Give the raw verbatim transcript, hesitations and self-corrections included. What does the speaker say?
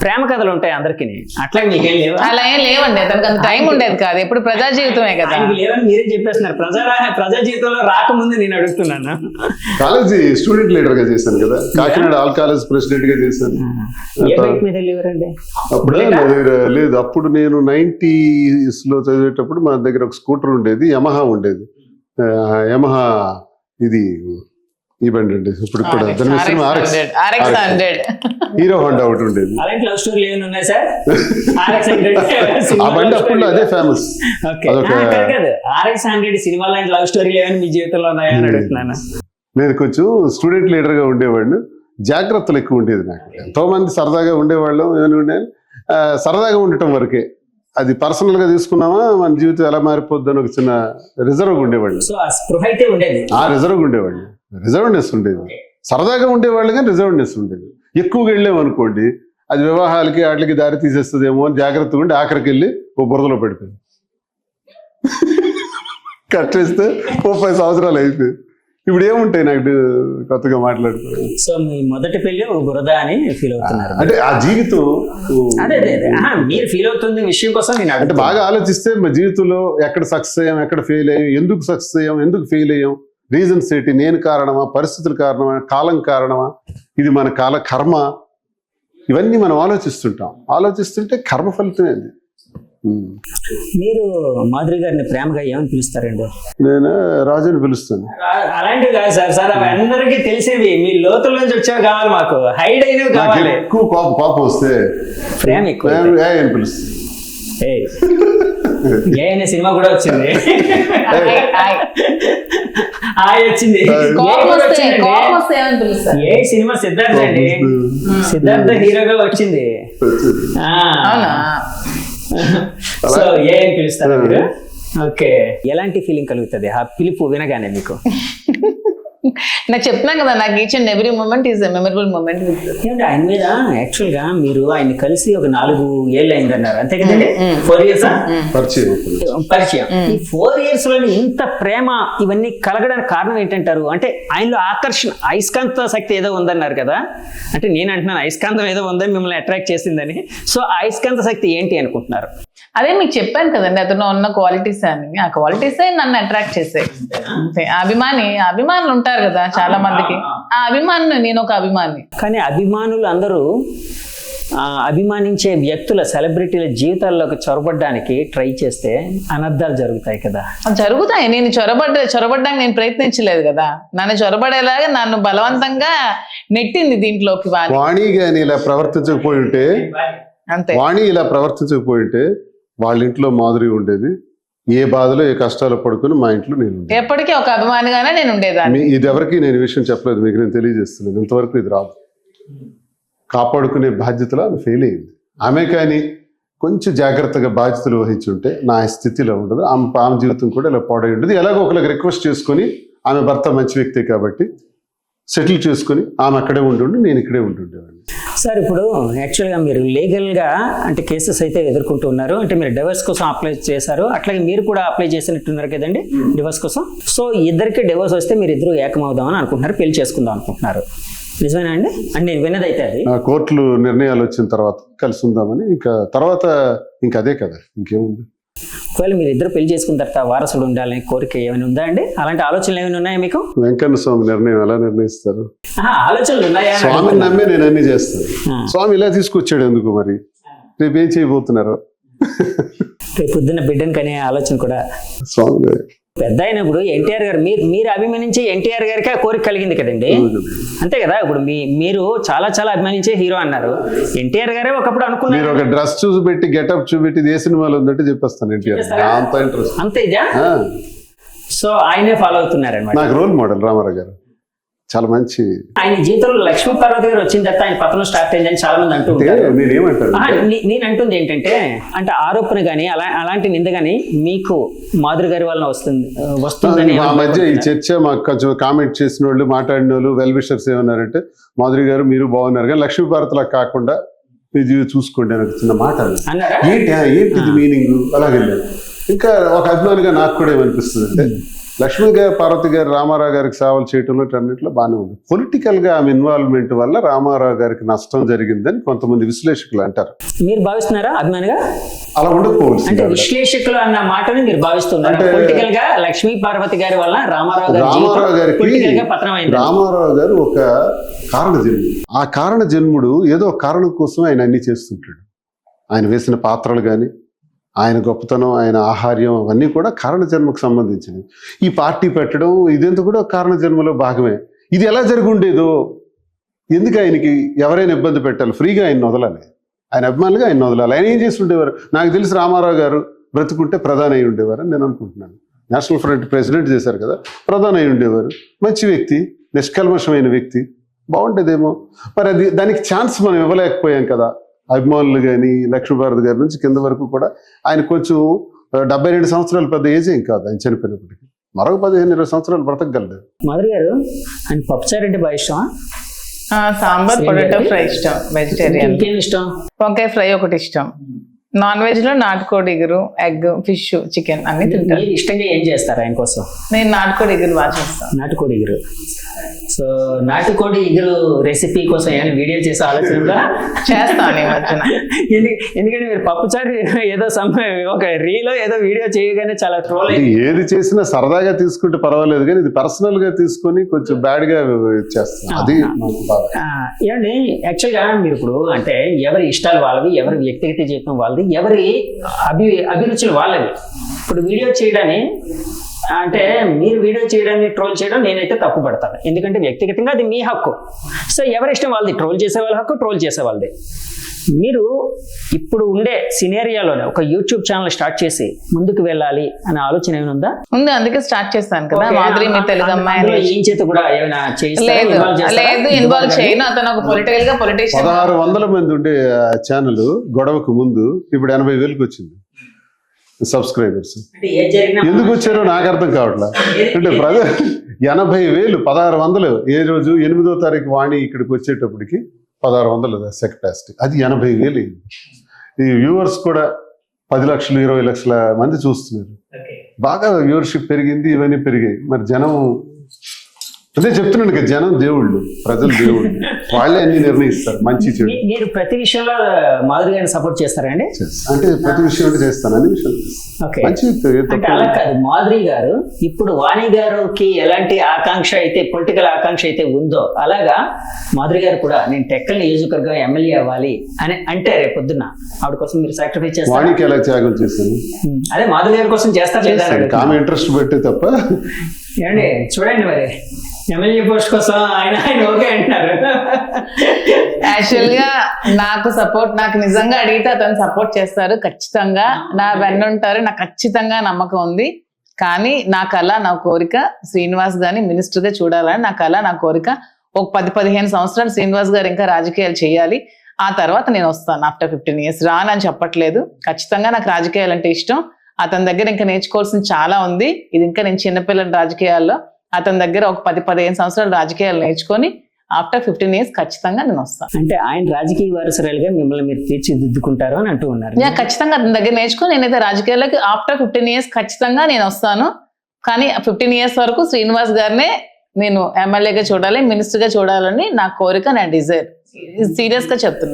ప్రేమ కథలు ఉంటాయి అందరికి, అట్లా మీకేం లేవు? అలా ఏం లేవండి, అతనికి అంత టైం ఉండేది కాదు, ఎప్పుడు ప్రజా జీవితమే కదా. లేవని మీరే చెప్పేస్తున్నారు. ప్రజా ప్రజా జీవితంలో రాకముందు నేను అడుగుతున్నాను. కాలేజీ స్టూడెంట్ లీడర్ గా చేశాను కదా, కాకినాడ ఆల్ కాలేజ్ ప్రెసిడెంట్ గా చేశాను. ఏ బైక్ మీద వెళ్ళేవారండి అప్పుడు? లేదు, అప్పుడు నేను నైన్టీస్ లో చదివేటప్పుడు మా దగ్గర ఒక స్కూటర్ ఉండేది, యమహా ఉండేది. యమహా ఇది ఈ బండి అండి. ఇప్పుడు కూడా హీరో హోండా ఒకటి ఉండేది. అలాంటి లవ్ స్టోరీలు ఏమైనా ఉన్నాయి సార్? ఆ బండి అప్పుడు అదే ఫేమస్. ఆర్ఎక్స్ హండ్రెడ్ సినిమా లాంటి లవ్ స్టోరీలు ఏమైనా మీ జీవితంలో ఉన్నాయా అని అడుగుతున్నాను. నేను కొంచెం స్టూడెంట్ లీడర్ గా ఉండేవాడిని, జాగ్రత్తలు ఎక్కువ ఉండేది నాకు. ఎంతో మంది సరదాగా ఉండేవాళ్ళం, ఏమైనా ఉండే సరదాగా ఉండటం వరకే. అది పర్సనల్ గా తీసుకున్నామా మన జీవితం ఎలా మారిపోద్ది అని ఒక చిన్న రిజర్వ్ ఉండేవాళ్ళు. ఆ రిజర్వ్ ఉండేవాళ్ళు, రిజర్వ్నెస్ ఉండేది. సరదాగా ఉండేవాళ్ళు కానీ రిజర్వ్నెస్ ఉండేది. ఎక్కువగా వెళ్ళాము అనుకోండి, అది వివాహాలకి వాటికి దారి తీసేస్తుందేమో అని జాగ్రత్తగా ఉండి ఆఖరికి వెళ్ళి ఓ బురదలో పడిపోయింది. కట్టేస్తే ఓ పది సంవత్సరాలు అయిపోయింది. ఇప్పుడు ఏముంటాయి నాకు కొత్తగా మాట్లాడుకోవాలి. సో మీ మొదటి పెళ్లి ఒక బురద అని ఫీల్ అవుతున్నారు అంటే ఆ జీవితం. అదే అదే మీరు ఫీల్ అవుతుంది విషయం కోసం నేను అంటే బాగా ఆలోచిస్తే మా జీవితంలో ఎక్కడ సక్సెస్ అయ్యాం, ఎక్కడ ఫెయిల్ అయ్యాం, ఎందుకు సక్సెస్ అయ్యాం, ఎందుకు ఫెయిల్ అయ్యాం, రీజన్స్ ఏంటి, నేను కారణమా, పరిస్థితుల కారణమా, కాలం కారణమా, ఇది మన కాల కర్మ, ఇవన్నీ మనం ఆలోచిస్తుంటాం. ఆలోచిస్తుంటే కర్మ ఫలితమే అది. మీరు మాధురి గారిని ప్రేమగా ఏమని పిలుస్తారండి? నేను రాజు అని పిలుస్తాను. అలాంటివి కాదు సార్, సార్ అవి అందరికీ తెలిసేవి, మీ లోతుల నుంచి వచ్చేవి కావాలి, మాకు హైడ్ అయినవి కావాలి. ఎక్కువ కోపం కోపం వస్తే ప్రేమ ఎక్కువ అని పిలుస్తాను. ఏ అనే సినిమా కూడా వచ్చింది, వచ్చింది ఏ సినిమా సిద్ధార్థ అండి, సిద్ధార్థ హీరోగా వచ్చింది. సో ఏ అని పిలుస్తారా మీరు? ఓకే, ఎలాంటి ఫీలింగ్ కలుగుతుంది ఆ పిలుపు వినగానే మీకు? నాకు చెప్తున్నాను కదా, నాకు each and every moment is memorable moment. ఆయన మీద యాక్చువల్ గా మీరు ఆయన కలిసి ఒక నాలుగు ఏళ్ళు అయింది అన్నారు, అంతే కదండి? ఫోర్ ఇయర్స్ పరిచయం. ఈ ఫోర్ ఇయర్స్ లో ఇంత ప్రేమ ఇవన్నీ కలగడానికి కారణం ఏంటంటారు? అంటే ఆయనలో ఆకర్షణ, అయస్కాంత శక్తి ఏదో ఉందన్నారు కదా, అంటే నేను అంటున్నాను అయస్కాంతం ఏదో ఉందని మిమ్మల్ని అట్రాక్ట్ చేసిందని. సో అయస్కాంత శక్తి ఏంటి అనుకుంటున్నారు? అదే మీకు చెప్పాను కదండి, అతను ఉన్న క్వాలిటీస్ అని, ఆ క్వాలిటీసే నన్ను అట్రాక్ట్ చేసాయి. అంతే, అభిమాని అభిమానులు ఉంటారు కదా చాలా మందికి, ఆ అభిమానులు నేను ఒక అభిమాని. కానీ అభిమానులు అందరూ అభిమానించే వ్యక్తుల, సెలబ్రిటీల జీవితాల్లోకి చొరబడ్డానికి ట్రై చేస్తే అనర్థాలు జరుగుతాయి కదా. జరుగుతాయి. నేను చొరబడ్డ చొరబడ్డానికి నేను ప్రయత్నించలేదు కదా, నన్ను చొరబడేలాగా నన్ను బలవంతంగా నెట్టింది దీంట్లోకి. వాణి గాని ఇలా ప్రవర్తించకపోయి ఉంటే, అంతే, వాణి ఇలా ప్రవర్తించకపోయి ఉంటే వాళ్ళ ఇంట్లో మాధురి ఉండేది, ఏ బాధలో ఏ కష్టాలు పడుకుని మా ఇంట్లో నేను ఎప్పటికీ ఒక అభిమానిగానే నేను ఉండేదాన్ని. ఇది ఎవరికి నేను విషయం చెప్పలేదు, మీకు నేను తెలియజేస్తున్నాను. ఇంతవరకు ఇది రాదు. కాపాడుకునే బాధ్యతలో ఆమె ఫెయిల్ అయింది. ఆమె కానీ కొంచెం జాగ్రత్తగా బాధ్యతలు వహించి ఉంటే నా స్థితిలో ఉండదు, ఆమె ఆమె జీవితం కూడా ఇలా పాడై ఉండదు. ఎలాగో ఒకరికి రిక్వెస్ట్ చేసుకొని, ఆమె భర్త మంచి వ్యక్తే కాబట్టి సెటిల్ చేసుకొని ఆమె అక్కడే ఉండి నేను ఇక్కడే ఉంటుండేవాడిని. సార్ ఇప్పుడు యాక్చువల్గా మీరు లీగల్గా అంటే కేసెస్ అయితే ఎదుర్కొంటూ ఉన్నారు, అంటే మీరు డివోర్స్ కోసం అప్లై చేశారు, అట్లాగే మీరు కూడా అప్లై చేసినట్టున్నారు కదండి డివోర్స్ కోసం. సో ఇద్దరికి డివోర్స్ వస్తే మీరు ఇద్దరు ఏకమవుదామని అనుకుంటున్నారు, పెళ్లి చేసుకుందాం అనుకుంటున్నారు, నిజమేనా అండి? అంటే నేను విన్నదైతే అది కోర్టులు నిర్ణయాలు వచ్చిన తర్వాత కలిసి ఉందామని. ఇంకా తర్వాత ఇంకా అదే కదా, ఇంకేముంది. ఒకవేళ మీరు ఇద్దరు పెళ్లి చేసుకున్న తర్వాత వారసుడు ఉండాలని కోరిక ఏమైనా ఉందా అండి? అలాంటి ఆలోచనలు ఏమైనా ఉన్నాయా మీకు? వెంకన్న స్వామి నిర్ణయం ఎలా నిర్ణయిస్తారు? ఆలోచనలు ఉన్నాయా? స్వామిని నమ్మే నేను అన్ని చేస్తాను. స్వామి ఇలా తీసుకొచ్చాడు ఎందుకు మరి? రేపు ఏం చేయబోతున్నారు? రేపు పొద్దున్న బిడ్డను కనే ఆలోచన కూడా స్వామి. పెద్ద అయినప్పుడు ఎన్టీఆర్ గారు మీరు మీరు అభిమానించే ఎన్టీఆర్ గారికి ఆ కోరిక కలిగింది కదండి, అంతే కదా? ఇప్పుడు మీ మీరు చాలా చాలా అభిమానించే హీరో అన్నారు, ఎన్టీఆర్ గారే ఒకప్పుడు అనుకున్నారు. మీరు ఒక డ్రెస్ చూపెట్టి గెటప్ చూపెట్టి ఏ సినిమాలో ఉందంటే చెప్పేస్తాను ఎన్టీఆర్, అంత ఇంట్రెస్ట్. అంతే ఇదా? సో ఆయనే ఫాలో అవుతున్నారు అన్నమాట. నాకు రోల్ మోడల్ రామారావు గారు, చాలా మంచి. ఆయన జీవితంలో లక్ష్మీ పార్వతి గారు వచ్చిన తర్వాత ఆయన పతనం స్టార్ట్ అయిందని చాలా మంది అంటూ ఉంటారు. నేను అంటుంది ఏంటంటే, అంటే ఆరోపణ గానీ అలా అలాంటి నింద గానీ మీకు మాధురి గారి వలన వస్తుంది వస్తుందని ఆ మధ్య ఈ చర్చ మాకు కొంచెం కామెంట్ చేసిన వాళ్ళు, మాట్లాడిన వాళ్ళు, వెల్ విషర్స్ ఏమన్నారంటే, మాధురి గారు మీరు బాగున్నారు కానీ లక్ష్మీ పార్వతిలా కాకుండా ఇది చూసుకోండి అని చిన్న మాట ఏంటి ఏంటిది మీనింగ్ అలాగే. ఇంకా ఒక అభిమానిగా నాకు కూడా ఏమనిపిస్తుంది అంటే, లక్ష్మీ గారు పార్వతి గారు రామారావు గారికి సేవలు చేయటంలో అన్నింటిలో బాగానే ఉంది. పొలిటికల్ గా ఆమె ఇన్వాల్వ్మెంట్ వల్ల రామారావు గారికి నష్టం జరిగిందని కొంతమంది విశ్లేషకులు అంటారు. మీరు భావిస్తున్నారా అభిమానిగా? అలా ఉండకపోవచ్చు. అంటే విశ్లేషకులు అన్న మాటని మీరు భావిస్తున్నారు. అంటే పొలిటికల్ గా లక్ష్మీ పార్వతి గారి వల్ల రామారావు గారి రామారావు గారికి పొలిటికల్ గా పతనం అయింది. రామారావు గారు ఒక కారణ జన్ముడు. ఆ కారణ జన్ముడు ఏదో కారణం కోసం ఆయన అన్ని చేస్తుంటాడు. ఆయన వేసిన పాత్రలు కానీ, ఆయన గొప్పతనం, ఆయన ఆహార్యం అవన్నీ కూడా కారణ జన్మకు సంబంధించినవి. ఈ పార్టీ పెట్టడం ఇదంతా కూడా కారణ జన్మలో భాగమే. ఇది ఎలా జరిగి ఉండేదో, ఎందుకు ఆయనకి ఎవరైనా ఇబ్బంది పెట్టాలి, ఫ్రీగా ఆయన వదలాలి, ఆయన అభిమానులుగా ఆయన వదలాలి. ఆయన ఏం చేసి ఉండేవారు? నాకు తెలిసి రామారావు గారు బ్రతుకుంటే ప్రధాని అయి ఉండేవారు అని నేను అనుకుంటున్నాను. నేషనల్ ఫ్రంట్ ప్రెసిడెంట్ చేశారు కదా, ప్రధాని అయి ఉండేవారు. మంచి వ్యక్తి, నిష్కల్మషమైన వ్యక్తి, బాగుండేదేమో. మరి అది దానికి ఛాన్స్ మనం ఇవ్వలేకపోయాం కదా. అభిమానులు కానీ లక్ష్మీభారతి గారి నుంచి కింద వరకు కూడా ఆయన కొంచెం డెబ్బై రెండు సంవత్సరాలు పెద్ద ఏజ్ ఏం కాదు ఆయన చనిపోయినప్పటికీ. మరొక పదిహేను ఇరవై సంవత్సరాలు బ్రతకగలడు. మాధురి గారు, ఆయన పప్పుచారు అంటే బాగా ఇష్టమా? సాంబార్ పొటాటో ఫ్రై ఇష్టం, వెజిటేరియన్. ఇంకేం ఇష్టం? వంకాయ ఫ్రై ఒకటి ఇష్టం. నాన్ వెజ్ లో నాటుకోడి ఇగురు, ఎగ్, ఫిష్, చికెన్ అన్ని తింటాను. మీరు ఇష్టంగా ఏం చేస్తారు ఆయన కోసం? నేను నాటుకోడి ఇగురు బాగా చేస్తాను. నాటుకోడి ఇగురు. సో నాటుకోడి ఇగురు రెసిపీ కోసం ఏమైనా వీడియో చేసే ఆలోచన ఉందా? చేస్తాను ఈ మధ్యన. ఎందుకంటే మీరు పప్పుచారు ఏదో సమ్ ఒక రీలో ఏదో వీడియో చేయగానే చాలా ట్రోల్ ఇది ఏది చేసినా సరదాగా తీసుకుంటే పర్వాలేదు, కానీ ఇది పర్సనల్ గా తీసుకొని కొంచెం బ్యాడ్ గా చేస్తాం. అది నాకు బాధ. ఏమండి, యాక్చువల్ గా మీరు ఇప్పుడు అంటే ఎవరి ఇష్టాలు వాళ్ళవి, ఎవరి వ్యక్తిగత జీవితం వాళ్ళది, ఎవరి అభి అభిరుచులు వాళ్ళవి. ఇప్పుడు వీడియో చేయడాన్ని అంటే మీరు వీడియో చేయడాన్ని ట్రోల్ చేయడం నేనైతే తప్పు పడతాను. ఎందుకంటే వ్యక్తిగతంగా అది మీ హక్కు. సో ఎవరి ఇష్టం వాళ్ళది. ట్రోల్ చేసే వాళ్ళ హక్కు, ట్రోల్ చేసే వాళ్ళది. మీరు ఇప్పుడు ఉండే సినేరియాలోనే ఒక యూట్యూబ్ ఛానల్ స్టార్ట్ చేసి ముందుకు వెళ్ళాలి అనే ఆలోచన ఏమైనా ఉందా? ఉంది, అందుకే స్టార్ట్ చేస్తాను కదా. మాధురి మీ తెలుగు అమ్మాయి ఏం చేత కూడా ఏమైనా లేదు లేదు ఇన్వాల్వ్ చేయను. అతను ఒక పొలిటికల్ గా పొలిటీషియన్. పదహారు వందల మంది ఉండే ఛానల్ గొడవకు ముందు ఇప్పుడు ఎనభై వేలకు వచ్చింది సబ్స్క్రైబర్స్. ఎందుకు వచ్చారో నాకు అర్థం కావట్లేదు. అంటే ప్రజ ఎనభై వేలు పదహారు వందలు ఏ రోజు ఎనిమిదో తారీఖు వాణి ఇక్కడికి వచ్చేటప్పటికి పదహారు వందలు సెక్టాసిటీ, అది ఎనభై వేలు. ఈ వ్యూవర్స్ కూడా పది లక్షలు ఇరవై లక్షల మంది చూస్తున్నారు. బాగా వ్యూవర్షిప్ పెరిగింది, ఇవన్నీ పెరిగాయి. మరి జనం అదే చెప్తున్నాను కదా, జనం దేవుళ్ళు, ప్రజలు దేవుళ్ళు, వాళ్ళే అన్ని నిర్ణయిస్తారు మంచి చెడు. మీరు ప్రతి విషయంలో మాధురి గారిని సపోర్ట్ చేస్తారండి? అంటే ప్రతి విషయం అంటే చేస్తాను, అన్ని విషయాలు మంచి. అంటే అలా కాదు, మాధురి గారు ఇప్పుడు వాణి గారికి ఎలాంటి ఆకాంక్ష అయితే పొలిటికల్ ఆకాంక్ష అయితే ఉందో అలాగా మాధురి గారు కూడా నేను టెక్కల్ నియోజకవర్గం ఎమ్మెల్యే అవ్వాలి అని అంటే రేపు పొద్దున్న ఆవిడ కోసం మీరు సాక్రిఫైస్ చేస్తారు. వాణికి ఎలా త్యాగం చేశాను, అదే మాధురి గారి కోసం చేస్తారు. ఆమె ఇంట్రెస్ట్ పెట్టే తప్ప. ఏమండి చూడండి, మరి ఎమ్మెల్యే పోస్ట్ కోసం ఆయన ఆయన ఓకే అంటున్నారు. యాక్చువల్ గా నాకు సపోర్ట్, నాకు నిజంగా అడిగితే అతను సపోర్ట్ చేస్తారు ఖచ్చితంగా. నా వెన్నుంటారు, నాకు ఖచ్చితంగా నమ్మకం ఉంది. కానీ నా కళ, నా కోరిక శ్రీనివాస్ గారిని మినిస్టర్ గా చూడాలని నా కళ, నా కోరిక. ఒక పది పదిహేను సంవత్సరాలు శ్రీనివాస్ గారు ఇంకా రాజకీయాలు చేయాలి. ఆ తర్వాత నేను వస్తాను ఆఫ్టర్ ఫిఫ్టీన్ ఇయర్స్. రానని చెప్పట్లేదు, ఖచ్చితంగా నాకు రాజకీయాలు అంటే ఇష్టం. అతని దగ్గర ఇంకా నేర్చుకోవాల్సింది చాలా ఉంది. ఇది ఇంకా నేను చిన్నపిల్లల రాజకీయాల్లో అతని దగ్గర ఒక పది పదిహేను సంవత్సరాలు రాజకీయాలు నేర్చుకొని ఆఫ్టర్ ఫిఫ్టీన్ ఇయర్స్ ఖచ్చితంగా నేను వస్తాను. అంటే ఆయన రాజకీయ వారసురాలుగా మిమ్మల్ని మీరు తీర్చిదిద్దుకుంటారు అని అంటూ ఉన్నారు. నేను ఖచ్చితంగా అతని దగ్గర నేర్చుకుని నేనైతే రాజకీయాలకి ఆఫ్టర్ ఫిఫ్టీన్ ఇయర్స్ ఖచ్చితంగా నేను వస్తాను. కానీ ఫిఫ్టీన్ ఇయర్స్ వరకు శ్రీనివాస్ గారినే నేను ఎమ్మెల్యేగా చూడాలి, మినిస్టర్ గా చూడాలని నా కోరిక, నా డిజైర్. సీరియస్ గా చెప్తున్నాను.